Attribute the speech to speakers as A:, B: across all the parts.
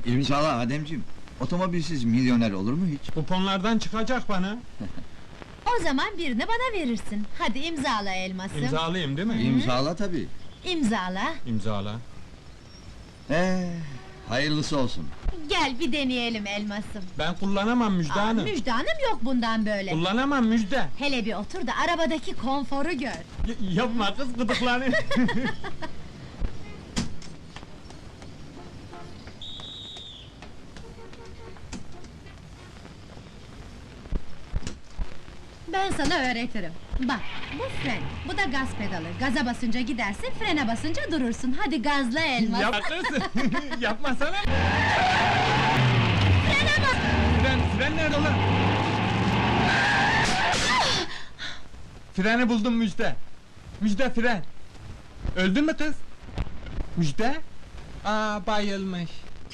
A: İmzala Ademciğim. Otomobilsiz milyoner olur mu hiç?
B: Kuponlardan çıkacak bana.
C: O zaman birini bana verirsin. Hadi imzala elmasım.
B: İmzalayayım değil mi?
A: İmzala tabii.
C: İmzala.
B: İmzala.
A: Hayırlısı olsun.
C: Gel bir deneyelim elmasım.
B: Ben kullanamam Müjde Hanım.
C: Müjde Hanım yok bundan böyle.
B: Kullanamam Müjde.
C: Hele bir otur da arabadaki konforu gör.
B: Yapma kız gıdıklanır.
C: Ben sana öğretirim. Bak, bu fren, bu da gaz pedalı. Gaza basınca gidersin, frene basınca durursun. Hadi gazla elmas.
B: Yapma kız. Yapmasana.
C: Frene bas!
B: Fren nerede lan? Freni buldum Müjde. Müjde fren. Öldün mü kız? Müjde? Aa bayılmış.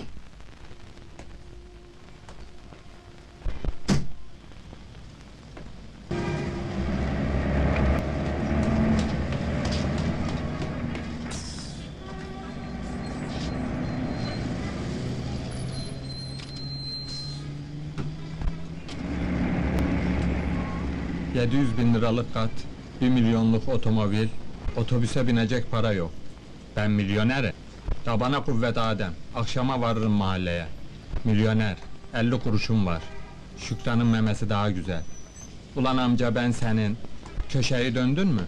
B: $700.000 kat, 1 milyonluk otomobil, otobüse binecek para yok. Ben milyonerim. Tabana kuvvet Adem, akşama varırım mahalleye. Milyoner, 50 kuruşum var. Şükran'ın memesi daha güzel. Ulan amca ben senin, köşeyi döndün mü?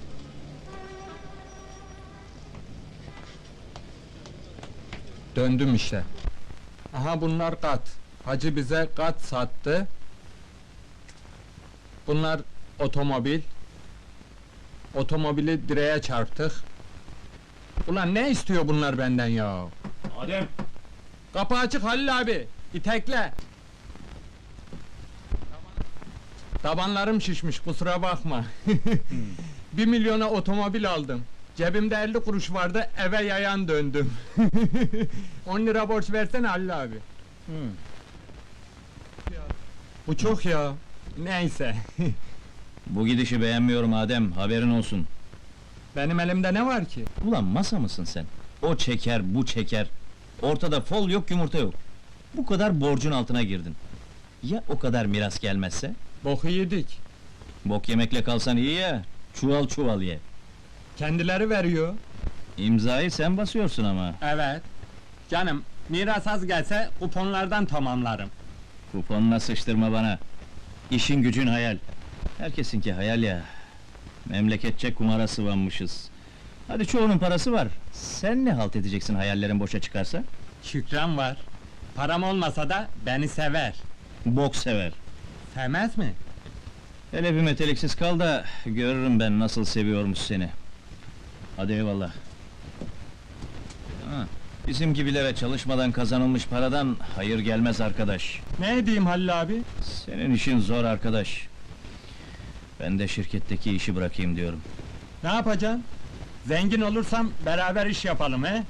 B: Döndüm işte. Aha bunlar kat. Hacı bize kat sattı. Bunlar otomobil. Otomobili direğe çarptık. Ulan ne istiyor bunlar benden ya?
D: Adem!
B: Kapı açık Halil abi. İtekle. Tabanlarım şişmiş kusura bakma. 1 milyona otomobil aldım. Cebimde 50 kuruş vardı eve yayan döndüm. 10 lira borç versene Halil abi. Bu çok ya. Neyse.
D: Bu gidişi beğenmiyorum Adem, haberin olsun.
B: Benim elimde ne var ki?
D: Ulan masa mısın sen? O çeker, bu çeker. Ortada fol yok, yumurta yok. Bu kadar borcun altına girdin. Ya o kadar miras gelmezse?
B: Boku yedik.
D: Bok yemekle kalsan iyi ya, çuval çuval ye.
B: Kendileri veriyor.
D: İmzayı sen basıyorsun ama.
B: Evet. Canım, miras az gelse kuponlardan tamamlarım.
D: Kuponuna sıçtırma bana. İşin gücün hayal. Herkesinki hayal ya. Memleketçe kumara sıvanmışız. Hadi çoğunun parası var. Sen ne halt edeceksin hayallerin boşa çıkarsa?
B: Şükran var. Param olmasa da beni sever.
D: Bok sever.
B: Sevmez mi?
D: Hele bir meteliksiz kal da görürüm ben nasıl seviyormuş seni. Hadi eyvallah. Ha, bizim gibilere çalışmadan kazanılmış paradan hayır gelmez arkadaş.
B: Ne edeyim Halil abi?
D: Senin işin zor arkadaş. Ben de şirketteki işi bırakayım diyorum.
B: Ne yapacaksın? Zengin olursam beraber iş yapalım he?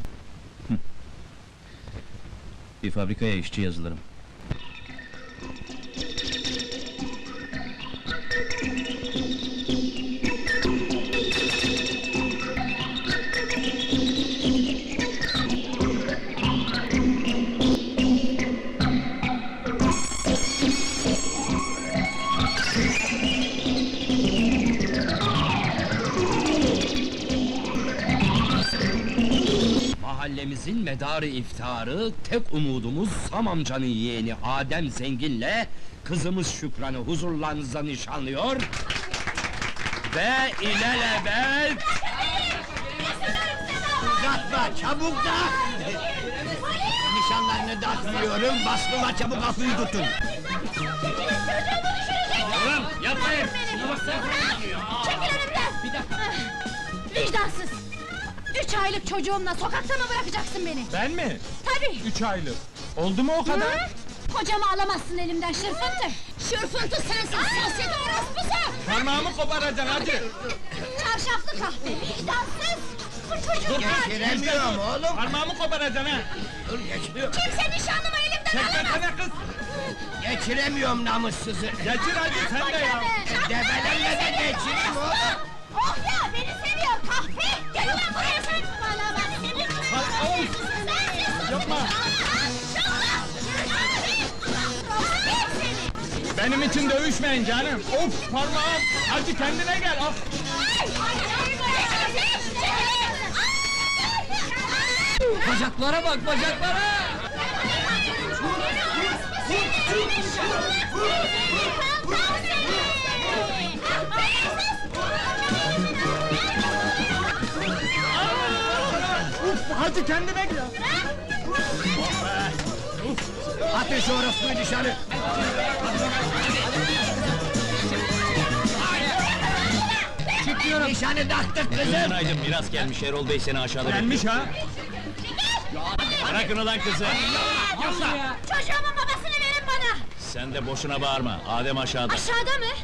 D: Bir fabrikaya işçi yazılırım.
E: Mahallemizin medarı iftiharı, tek umudumuz Sam amcanın yeğeni Adem Zengin'le kızımız Şükran'ı huzurlarınıza nişanlıyor ve ilelebet...
F: Uzatma, çabuk da! Nişanlarını dağıtmıyorum, bastılar çabuk kapıyı tutun!
E: Oğlum, yapmayın!
C: Çekil önümden! Vicdansız! 3 aylık çocuğumla sokakta mı bırakacaksın beni?
B: Ben mi?
C: Tabii!
B: 3 aylık. Oldu mu o kadar?
C: Hı? Kocamı alamazsın elimden şırfıntı! Şırfıntı sensin, sosyete orospusu!
B: Parmağımı koparacaksın hacı!
C: Çarşaflı kahve, vicdansız! Bu çocuk
F: Geçiremiyorum oğlum!
B: Parmağımı koparacaksın ha!
F: Dur geçiriyorum!
C: Kimse nişanlımı elimden alamaz!
B: Çekmesene kız!
F: Geçiremiyorum namussuzu!
B: Geçir hacı sen de ya!
F: Debelenme de geçireyim oğlum!
C: Oh ya, beni seviyor kahpe! Gel ulan buraya sen! Bana bak, senin
B: Yapma!
C: Maşallah!
B: Benim için dövüşmeyin canım. Of parmağım. Hadi kendine gel. Of.
E: Bacaklara bak, bacaklara!
B: Hadi kendine gel.
F: Atın şu orospuyu dışarı! Çıkıyorum! Nişanı taktık kızım!
D: Günaydın, miras gelmiş, Erol Bey seni aşağıda
B: Gelmiş ha.
D: Bırakın ulan kızı!
C: Çocuğumun babasını verin bana!
D: Sen de boşuna bağırma, Adem aşağıda.
C: Aşağıda mı?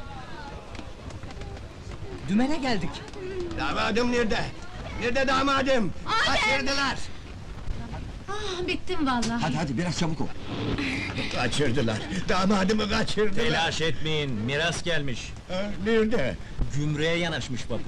E: Dümene geldik.
F: Damadım nerede? Nerede damadım?
C: Adem!
F: Kaçırdılar!
C: Ah, bittim vallahi.
A: Hadi hadi biraz çabuk ol.
F: Kaçırdılar! Damadımı kaçırdılar!
D: Telaş etmeyin, miras gelmiş.
F: Ha, nerede?
D: Gümrüğe yanaşmış bak.